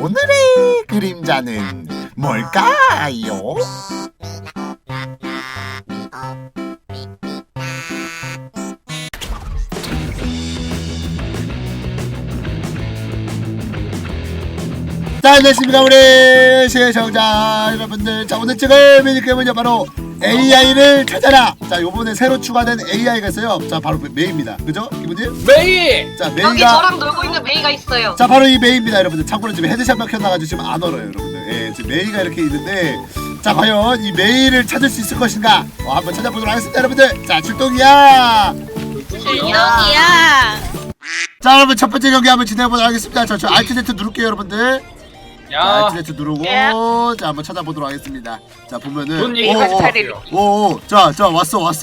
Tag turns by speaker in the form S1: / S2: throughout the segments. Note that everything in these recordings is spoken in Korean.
S1: 오늘의 그림자는 뭘까요? 자, 안녕하십니까 우리 시청자 여러분들. 자, 오늘 찍을 미니게임은요 바로 AI를 찾아라. 자, 요번에 새로 추가된 AI가 있어요. 자, 바로 메이입니다. 그죠? 기분님?
S2: 메이!
S1: 자,
S3: 여기
S1: 메이가
S3: 저랑 놀고 있는 메이가 있어요.
S1: 자, 바로 이 메이입니다 여러분들. 참고로 지금 헤드샷만 켜놔가지고 지금 안 얼어요 여러분들. 예, 지금 메이가 이렇게 있는데, 자, 과연 이 메이를 찾을 수 있을 것인가? 한번 찾아보도록 하겠습니다 여러분들. 자, 출동이야.
S3: 출동이야.
S1: 자, 여러분 첫 번째 경기 한번 진행해보도록 하겠습니다. 저 Alt Z 누를게요 여러분들.
S2: 야,
S1: Alt Z 누르고 자, 한번 찾아보도록 하겠습니다. 자, 보면은
S2: 돈 얘기까지 탈일로.
S1: 자, 왔어.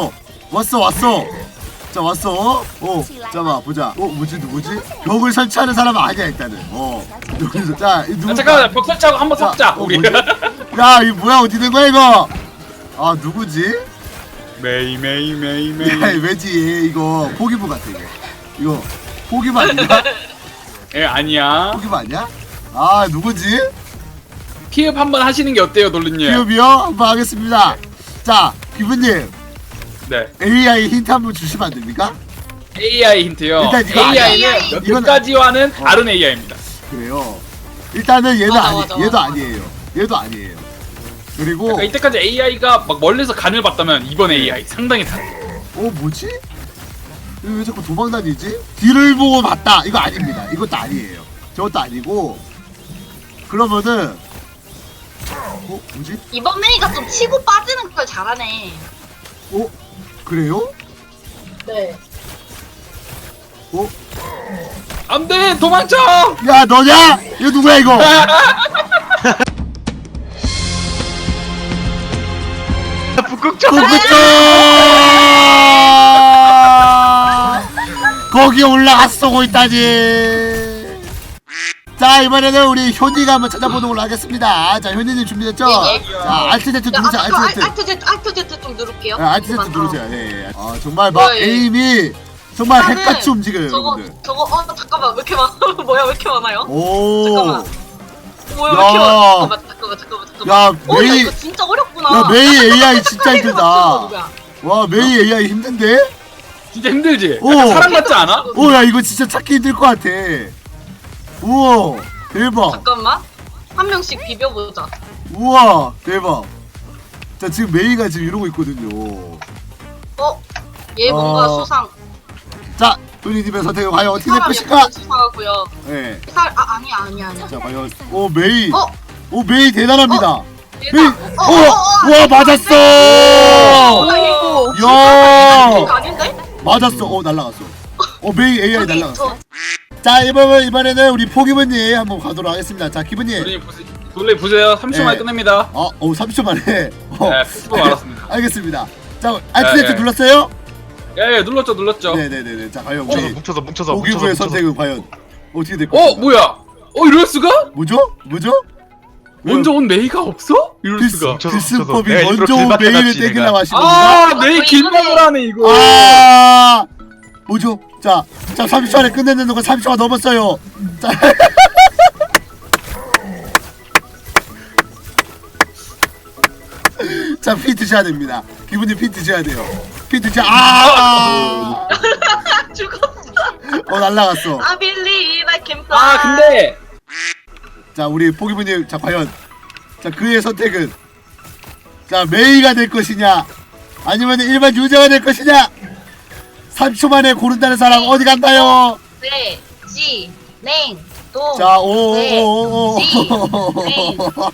S1: 자, 왔어. 잠깐만 보자. 누구지? 벽을 설치하는 사람은 아니야 일단은. 여기서 자, 이 누구?
S2: 잠깐만, 벽 설치하고 한번 섞자 우리.
S1: 뭐지? 야, 이 뭐야? 어디 된 거야 이거? 아, 누구지?
S2: 메이.
S1: 야, 왜지? 이거 포기부 같아 이거 포기부 아닌가?
S2: 예, 아니야.
S1: 포기부 아니야? 아, 누구지?
S2: 피읍 한번 하시는 게 어때요, 돌리님?
S1: 기업이요? 한번 하겠습니다. 자, 기부님
S2: 네.
S1: AI 힌트 한번 주시면 안 됩니까?
S2: AI 힌트요.
S1: 일단 이거
S2: AI는
S3: 아니야.
S2: 여태까지와는 다른 AI입니다.
S1: 그래요. 일단은 얘는
S3: 맞아.
S1: 얘도 아니에요. 얘도 아니에요. 그리고
S2: 그러니까 이때까지 AI가 막 멀리서 간을 봤다면 이번 AI 상당히 다르.
S1: 뭐지? 이거 왜 자꾸 도망 다니지? 뒤를 보고 봤다. 이거 아닙니다. 이것도 아니에요. 저것도 아니고. 그러면은 뭐지?
S3: 이번 메이가 좀 치고 빠지는 걸 잘하네.
S1: 그래요?
S3: 네.
S2: 안돼, 도망쳐!
S1: 야, 너냐? 이거 누구야 이거?
S2: 북극점.
S1: 거기 올라갔어 쏘고 있다지. 자, 이번에는 우리 효니가 한번 찾아보는 걸로 하겠습니다. 자, 효니님 준비됐죠?
S3: 예.
S1: 자, Alt Z 누르세요.
S3: Alt Z 좀 누를게요.
S1: Alt Z 누르세요. 예. 아, 정말 막
S3: 예.
S1: 에임이 정말
S3: 나는
S1: 핵같이 움직여요 여러분들.
S3: 저거 잠깐만, 왜 이렇게 많아? 뭐야, 왜 이렇게 많아요?
S1: 오.
S3: 잠깐만. 뭐야, 왜
S1: 야.
S3: 이렇게 많아? 잠깐만.
S1: 야,
S3: 야,
S1: 메이.
S3: 이거 진짜 어렵구나.
S1: 야, 메이 AI 진짜 힘들다.
S3: 누구야?
S1: 와, 메이 AI 힘든데?
S2: 진짜 힘들지?
S1: 오.
S2: 약간 사람 같지 않아?
S1: 오, 야, 이거 진짜 찾기 힘들 것 같아. 우와, 대박.
S3: 잠깐만. 한 명씩 비벼보자.
S1: 우와, 대박. 자, 지금 메이가 지금 이러고 있거든요.
S3: 얘 뭔가
S1: 어.
S3: 수상.
S1: 자, 도니님의 선택은 과연 어떻게 될
S3: 사람
S1: 것인가?
S3: 약간 수상하고요.
S1: 네.
S3: 아니야.
S1: 자, 과연 메이.
S3: 어?
S1: 메이 대단합니다.
S3: 얘다.
S1: 메이. 와, 맞았어.
S3: 오.
S1: 야,
S3: 이거 아닌데?
S1: 맞았어. 날라갔어. 메이 AI
S3: 저기,
S1: 날라갔어. 자, 이번에는 우리 포기분님 한번 가도록 하겠습니다. 자, 기분님.
S2: 돌리 보세요. 30초 만에
S1: 네.
S2: 끝냅니다.
S1: 30초 만에.
S2: 네, 10초 알았습니다.
S1: 알겠습니다. 자, Alt Z
S2: 네.
S1: 눌렀어요?
S2: 예, 눌렀죠.
S1: 네네네. 자, 과연 우리
S4: 뭉쳐서
S1: 포기부의 선택은 과연 어떻게 될 것인가?
S2: 뭐야? 이럴 수가?
S1: 뭐죠?
S2: 먼저 온 메이가 없어? 이럴 수가.
S1: 필수법이
S4: 내가 일부러
S1: 먼저 온
S4: 길막
S1: 메일을
S4: 해놨지,
S1: 떼기라고 하신 겁니다.
S2: 메이 길막을 하네 이거.
S1: 뭐죠? 자, 30초 안에 끝내는 거 30초가 넘었어요. 자, 자, 피 드셔야 됩니다. 기분이 피 드셔야 돼요. 피 드셔.
S3: 죽었어.
S1: 날라갔어.
S3: I believe I can fly.
S2: 근데
S1: 자, 우리 포기부님, 자, 과연 자, 그의 선택은 자, 메이가 될 것이냐 아니면 일반 유저가 될 것이냐. 30초 만에 고른다는 사람 어디 간다요?
S3: 네, 지, 냉, 동.
S1: 자,
S3: 네, 지, 냉,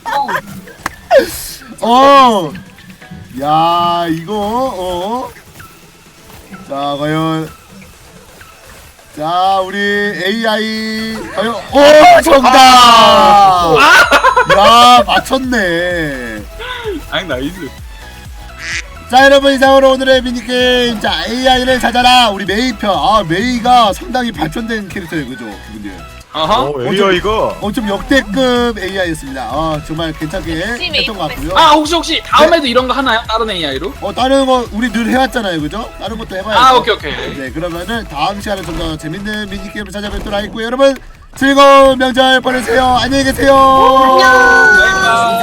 S3: 동.
S1: 야, 이거 자, 과연 자, 우리 AI 과연 정답. 야, 맞췄네.
S2: 나이스.
S1: 자, 여러분, 이상으로 오늘의 미니게임, 자, AI를 찾아라 우리 메이 편. 메이가 상당히 발전된 캐릭터예요, 그죠 기분님?
S2: 어허.
S4: 왜요 이거?
S1: 좀 역대급 AI였습니다. 정말 괜찮게
S3: 열심히
S1: 했던 것 같고요.
S2: 혹시 다음에도 이런 거 하나요? 다른 AI로?
S1: 다른 거 우리 늘 해왔잖아요, 그죠? 다른 것도 해봐야죠.
S2: 오케이.
S1: 네, 그러면은 다음 시간에 좀 더 재밌는 미니게임을 찾아뵙도록 하겠고요. 여러분, 즐거운 명절 보내세요. 안녕히 계세요.
S3: 안녕.
S2: 바이바이.